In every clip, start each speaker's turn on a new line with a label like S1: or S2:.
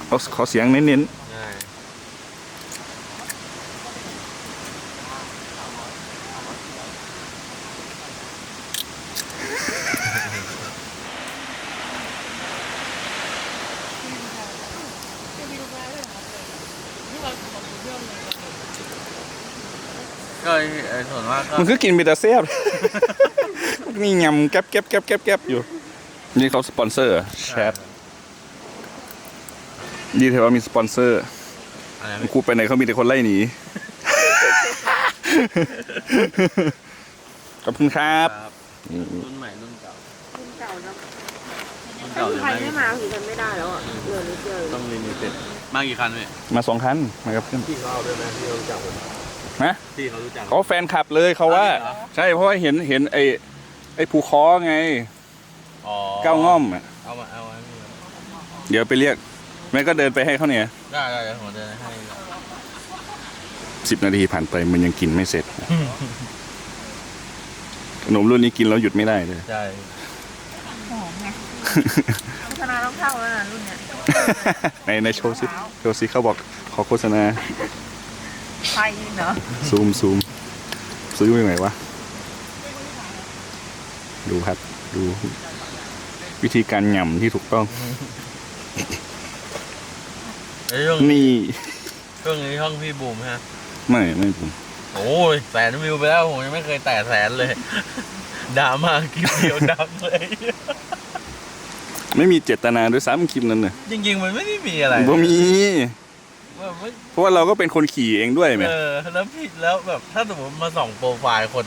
S1: ขอเสียงเน้น
S2: ก็ส่วนมากก็
S1: มันคือกินเบต้าเซียบนี่ยำแก๊บอยู่นี่เขาสปอนเซอร์แชทดีเทว่ามีสปอนเซอร์กูไปไหนเขามีแต่คนไล่หนีขอบคุณครับ
S2: รุ่นใหม่รุ่นเก่า
S3: เนาะถ้าใครไม่มาคือทำไม่ได้แล้วอ่ะเหลือนิดเดียว
S2: ต้องลิมิเต็ดมากี่คันเนี่ย
S1: มา2 คันมากับเพื่อน
S2: พี่เขาเอาด้วยไหมพี่เขารู้จักผม
S1: นะ
S2: พี่เขารู้จัก
S1: เขาแฟนคลับเลยเขาว่าใช่เพราะว่าเห็นไอ้ภูคอไงก้าวง่อมอ่ะ
S2: เอา
S1: เดี๋ยวไปเรียกแม่ก็เดินไปให้เขาเนี่ย
S2: ได้เดี๋ยวผมเดินให้
S1: 10 นาทีผ่านไปมันยังกินไม่เสร็จขนมรุ่นนี้กินแล้วหยุดไม่ได้เลย
S2: ใช่
S3: หอมไงโฆษณาต้องเข้าแล้วนะรุ่นเนี้ย
S1: ในโชว์ซิเขาบอกขอโฆษณา
S3: ไฟเนาะ
S1: ซูมซื้อไปไหนวะดูครับดูวิธีการหย่ำที่ถูกต้องนี่
S2: ช่วงนี้ช่องพี่บูมฮะ
S1: ไม่ผม
S2: โอ้ย100,000 วิวไปแล้วผมยังไม่เคยแตะ100,000เลยดราม่าคลิปเดียวดังเลย
S1: ไม่มีเจตนาด้วยซ้ำคลิปนั้นเนี่ย
S2: จริงๆมันไม่ได้มีอะไร
S1: บ่มีเพราะว่าเราก็เป็นคนขี่เองด้วยไหม
S2: แล้วพี่แล้วแบบถ้าสมมติมาส่องโปรไฟล์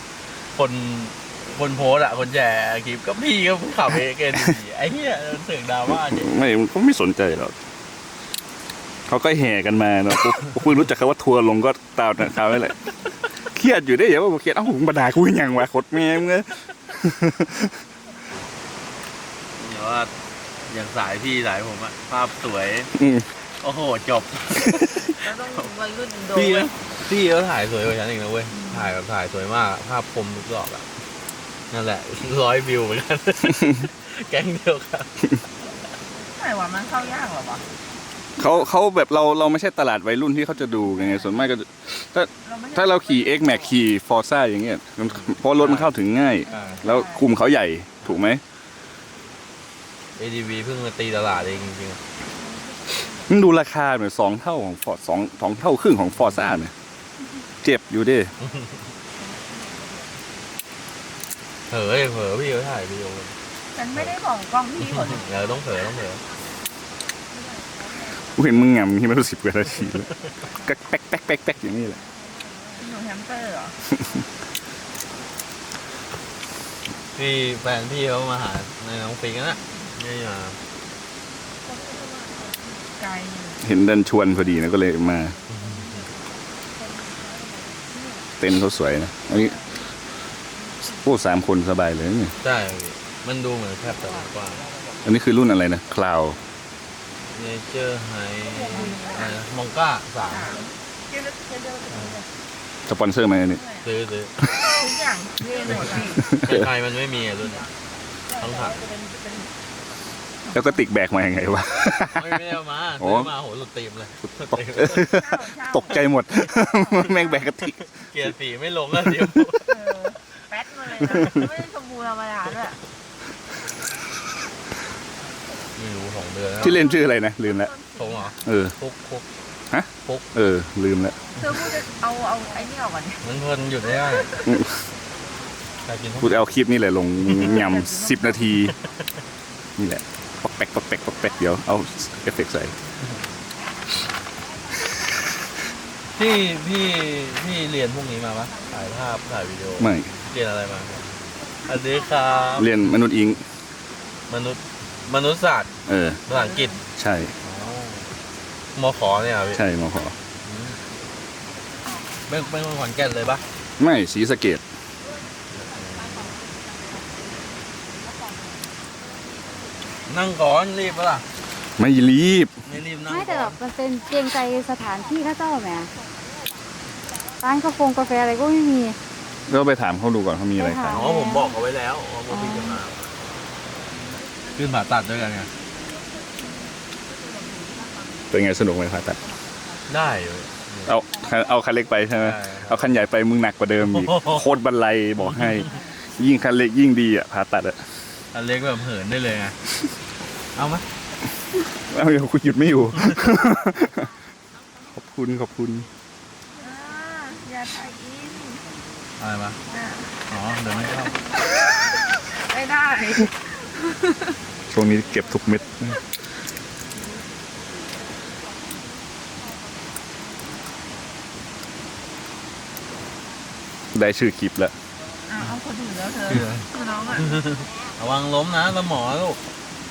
S2: คนโพสอะคนแชร์คลิปก็พี่ก็ขับเองไอ้เหี้ยเสียงดราม่าจริง
S1: ไม่เขาไม่สนใจหรอกเขาก็แห่กันมาเนาะคุยรู้จักคำว่าทัวร์ลงก็ตามข่าวนี่แหละเครียดอยู่ได้อย่าว่าเครียดหุ่นบดาคุยอย่างวะขดแม่เงี้ย
S2: เดี๋ยวว่าอย่างสายพี่สายผมอะภาพสวยโอ้โหจบ
S3: แล้วต้องวัยรุ่นโดน
S2: พี่เขาถ่ายสวยกว่าฉันอีกนะเว้ยถ่ายสวยมากภาพคมทุกดอกอะนั่นแหละ100 วิวเหมือนกันแก๊งเดียวกัน
S3: ไหนวะมันเข้ายากหรอวะ
S1: เขาแบบเราไม่ใช่ตลาดวัยรุ่นที่เขาจะดูไงส่วนมากก็ถ้าเราขี่ X Max ขี่ Forza อย่างเงี้ยเพราะรถมันเข้าถึงง่ายแล้วคุมเขาใหญ่ถูกไหม
S2: ADV เพิ่งมาตีตลาดเองจริง
S1: ๆมันดูราคาเหมือน2 เท่าของ Ford 2 เท่าครึ่งของ Forza เนี่ยเจ็บอยู่ดิ
S2: เผลอพี่เขาถ่ายวิดีโอ
S3: ฉันไม่ได้บอกกล้องพี่คน
S2: ต้องเผลอ
S1: กูเห็นมึงงำที่ไม่รู้10 กว่านาทีแล้วก็แป๊กอย่างนี้แหละ
S3: หนูแฮมสเตอร์เหรอ
S2: พี่แฟนพี่เขามาหาในน้องปิงนะนี่มา
S3: ไกล
S1: เห็นเดินชวนพอดีนะก็เลยมาเต้นเขาสวยนะอันนี้พวก3 คนสบายเลยนี่
S2: ใช่มันดูเหมือนแคบแต่กว้าง
S1: อันนี้คือรุ่นอะไรนะคลาว
S2: เนเจอร์ไฮมองก้า
S1: 3สปอนเซอร์ไหมอันนี้
S2: ซื้อ
S3: ทุกอย่างเรียนหมดเลย
S2: ใครมันไม่มีรุ่นต้องถัก
S1: แล้วก็ติกแบกมาอย่างไงวะ
S2: ไม่เอามาซื้อมาโหหลุดตีมเลย
S1: ตกใจหมดแม่งแบกกระติก
S2: เกียร์สีไม่ลงแล้วเดี๋ยว
S3: แป๊ดมาเลยไม่ได้ชมพูธรรมดาด้วย
S2: ไม่รู้2 เดือน
S1: ที่เล่นชื่ออะไรนะลืมแล้ว
S2: ทงเหรอฟุก
S1: ฮะ
S2: ฟุก
S1: ลืมแล้ว
S3: เธอพูดจะเอาไอ้นี่ออกก่อน
S2: มันเพลินหยุดได้
S1: พูดเอาคลิปนี่แหละลงยำ10 นาทีนี่แหละปอกแป๊กเดี๋ยวเอาเอฟเฟกต์ใส่
S2: พี่เรียนพวกนี้มาปะถ่ายภาพถ่ายวิดีโอ
S1: ไม่
S2: เรียนอะไรมาอันนี้ครับ
S1: เรียนมนุษย์อิง
S2: มนุษยศาสตร์ภาษาอังกฤษ
S1: ใช่
S2: มขเนี่ยพี่
S1: ใช่มข
S2: เป็นคนขอนแก่นเลยปะ
S1: ไม่ศรีสะเกษ
S2: นั่งก่อนรีบปะล่ะ
S1: ไม่รีบ
S2: นั่ง
S4: ไม่แต่แบบมันเป็นเกรงใจสถานที่ข้าเจ้าแหมร้านกาแฟอะไรก็ไม่มี
S1: ก็ไปถามเขาดูก่อนเขามีอะไรขาย
S2: ผมบอกเขาไว้แล้วว่าพี่จะมาขึ้นผ่าตัดด้วยกันไง
S1: เป็นไงสนุกไหมผ่าตัด
S2: ได้เลย
S1: เอาคันเล็กไปใช่ไหม
S2: ใช่ครับ
S1: เอาคันใหญ่ไปมึงหนักกว่าเดิมอีกโคตรบันไลบอกให้ ยิ่งคันเล็กยิ่งดีอ่ะผ่าตัดอ่ะ
S2: อันเล็กแบบเหินได้เลยไงเอาไหม
S1: เอาอย่าคุณหยุดไม่อยู่ ขอบคุณ
S3: อย่าถ่ายอิน
S2: อะไรมา
S3: อ่ะ
S2: อ๋อเดี๋ยวไม่เข้า
S3: ไม่ได้
S1: ช่วงนี้เก็บทุกเม็ด ได้ชื่อคลิปแล้ว
S3: เอาคนอื่นแล้วเธอคือน้องอ่ะ
S2: ระวังล้มนะสมอลูก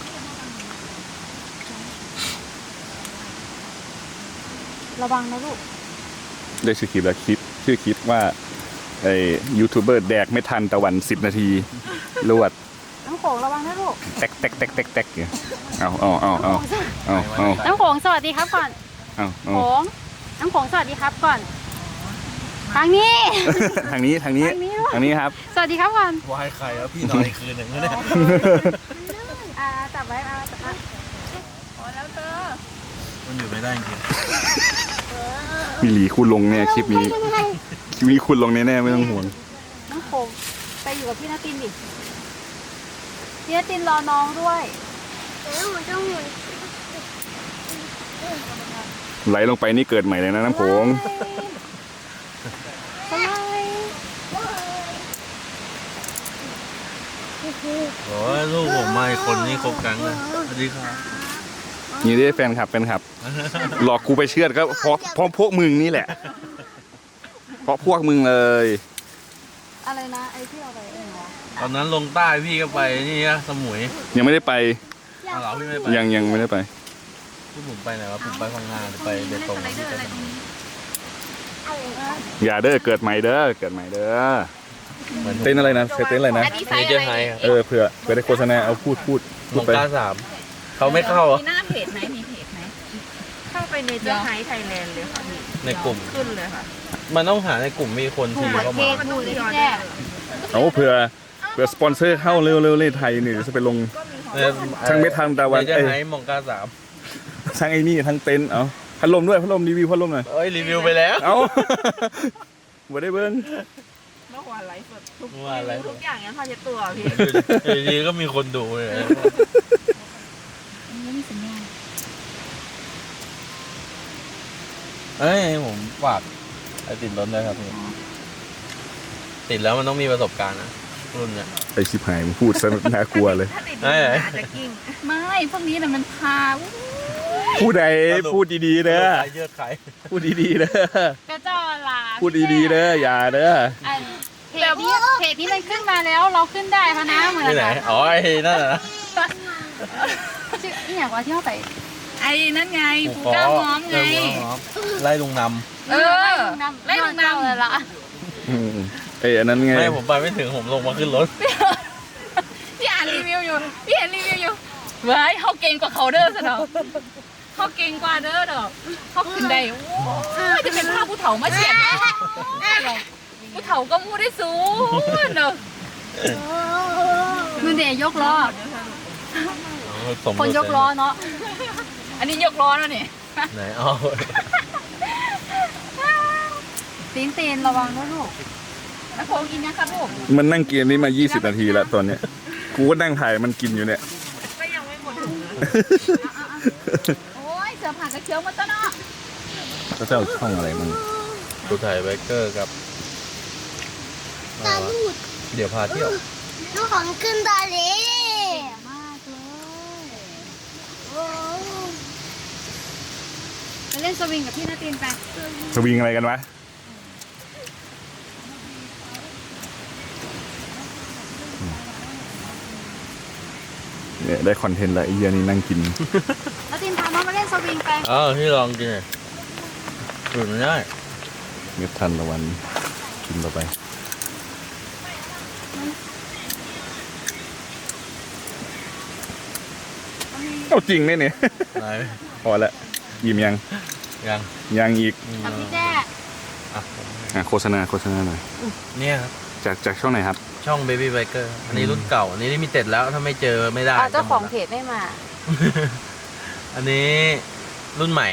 S4: ระวังนะลูก
S1: ได้ชื่อคลิปแล้วชื่อคลิปว่าไอ้ยูทูบเบอร์แดกไม่ทันตะวัน10 นาทีรวด
S4: น้ำโขงระวังนะลูก
S1: แตกเนี่ยเอา
S4: น้ำโขงสวัสดีครับก่อน โขงน้ำโขงสวัสดีครับก่อน ทางนี้
S1: ทางนี้
S4: ทางนี้
S1: ครับ
S4: สวัสดีครับก่อน
S2: วายใครแล้วพี่นอนอีกคืนหนึ่งแล้วเนี่ย
S4: จับไว้จับไว้
S3: พอแล้วเธอ
S2: มันอยู่ไม่ได้จริง
S1: มีหลีคุณลงเนี่ยคลิปนี้คุณลงแน่ๆไม่ต้องห่วง
S4: น้ำโขงไปอยู่กับพี่นาตินดิ พี่นาตินรอน้องด้วย
S1: ไหลลงไปนี่เกิดใหม่เลยนะน้ำโขง
S4: ทำไม
S2: โอ้ยลูกผมไม่คนนี้ครบกังเลยสวัสดีครับ
S1: นี่ได้แฟนคลับหลอกกูไปเชื่อดก็เพราะพวกมึงนี่แหละ เพราะพวกมึงเลย
S4: อะไรนะไอ้ที่เอาไปเองวะ
S2: ตอนนั้นลงใต้พี่ก็ไปนี่นะสมุย
S1: ยังไม่ได้ไป
S2: อ้าวเหรอพี่ไม่ไป
S1: ยังไม่ได้ไป
S2: พี่ผมไปไหนวะผมไปพังงาหรือไปเบตง
S3: อะไรเดินอะไรตรงนี้
S1: อย่าเด้อเกิดใหม่เด้อเต้นอะไรนะเต้นอะไรนะ
S3: อันนี้ไซ
S2: ไอ
S3: ส์
S2: เจอ
S3: อะไร
S2: ไฮครับ
S1: เผื่อได้โฆษณาเอาพูด
S2: มง
S1: ไป
S2: กา3เขาไม่เข้าเหรอ
S3: มีหน้าเพจไหมมีเพจไหมเข้าไปในเจอไฮไทยแลนด์เลยค่ะพี่
S2: ในกลุ่ม
S3: ขึ้นเลยค่ะ
S2: มันต้องหาในกลุ่มมีคนทีเข้ามา
S3: มันดูที่ออเดอร์
S1: เอาเผื่อสปอนเซอร์เข้าเร็วๆไทยนี่จะไปลง ทั้งไม่ทันตะวัน
S2: ไอเจอไฮมงกา3
S1: ทั้งไอ้นี่ทั้งเต็นท์เอาพัดลมด้วยพัดลมรีวิวพัดลมหน่อย
S2: เอ้ยรีวิวไปแล้ว
S1: เอาบ่ได้เบิ้ง
S3: เมื่อวานไลฟ์สดทุก
S2: เมื่อวานไลฟ์สด
S3: ทุกอย่างงั้นพาเช็ดตัวพี่
S2: อยู่ดีๆก็มีคนดูเลย
S4: ไม่มีสัญญาณ
S2: เอ้ยผมฝากไอติดรถด้วยครับพี่ติดแล้วมันต้องมีประสบการณ์นะรุ่นเนี้ย
S1: ไอชิบหายมึงพูดซะน่ากลัวเลย
S3: ถ้าติด
S2: เอ้ย
S3: อาจจะกิ้ง
S4: ไม่พวกนี้น่ะมันพา
S1: พูดใดพูดดีๆเด้อ
S2: เยอะใคร
S1: พูดดีๆเด้อก
S4: ระจอลา
S1: พูดดีๆเด้ออย่าเด้อ
S4: อันเพจนี้มันขึ้นมาแล้วเราขึ้นได้พะนะเหมือน
S2: ที่ไหน
S4: กัน
S2: อ๋อไอ้นั่นน่ะนะ
S4: ชื่อนี่อย่างว่าที่เขาไป
S3: ไอ้นั่นไงปูก้าม้อมไง
S2: ไล่ลุงน
S3: เออ
S4: ไล่ลงน้ำเลยล่ะ
S1: อันนั้น
S2: ำ
S1: ไง
S2: ไม่ผมไปไม่ถึงผมลงมาขึ้นรถ
S3: พี่อ่านรีวิวอยู่พี่เห็นรีวิวอยู่เว้ยเขาเก่งกว่าเขาเด้อสะดอกเขาเก่งกว่าเด้อดอกเขาขึ้นได้โอ้ยจะเป็นภาพผู้เฒ่ามาเฉียดผู้เฒ่าก็มูได้สูงเด้อ
S4: มือเดียยกล้อ
S2: สม
S4: คนยกล้อเนาะ
S3: อันนี้ยกล้อแล้วนี่
S2: ไหนอ๋อ
S4: ตีนระวังนะลูก
S3: แล้วโคงกินยังครับลูก
S1: มันนั่งกินนี่มา20 นาทีแล้วตอนเนี้ยกูก็นั่งถ่ายมันกินอยู่เนี่ย
S3: ก็ยังไม่หมด
S4: โอ้ยเสือผ่านกระเชียวมาตะเนาะ
S1: เขาจะเอาช่องอะไรมัน
S2: ดูถ่ายไบเกอร์กับเดี๋ยวพาเที่ยว
S5: ลูกของขึ้นตาเลย
S4: แย่มากเลย
S5: โอ้
S4: ไปเล่นสวิงกับพี่นาตีนไป
S1: สวิงอะไรกันวะเนี่ยได้คอนเทนต์แล้วไอ้เหี้ยนี่นั่งกิน
S4: นาตีนพาน้องมาเล่นสวิงไป
S2: อ๋อที่ลองกินเลยหยุดไม่ได้
S1: เม็ดทันตะวันกินต่อไปเอาจริงไหมเนี่ย
S2: ไหน
S1: พอละยิ้มยัง
S2: ยัง
S1: ยังอีก
S4: กับพี่แจ้
S1: โฆษณาหน่อย
S2: เนี่ยครับ
S1: จากช่องไหนครับ
S2: ช่อง Baby Biker อันนี้รุ่นเก่า อันนี้ลิมิเต็ดแล้วถ้าไม่เจอไม่ได้
S4: เจ้าของเพจไม่มา
S2: อันนี้รุ่นใหม่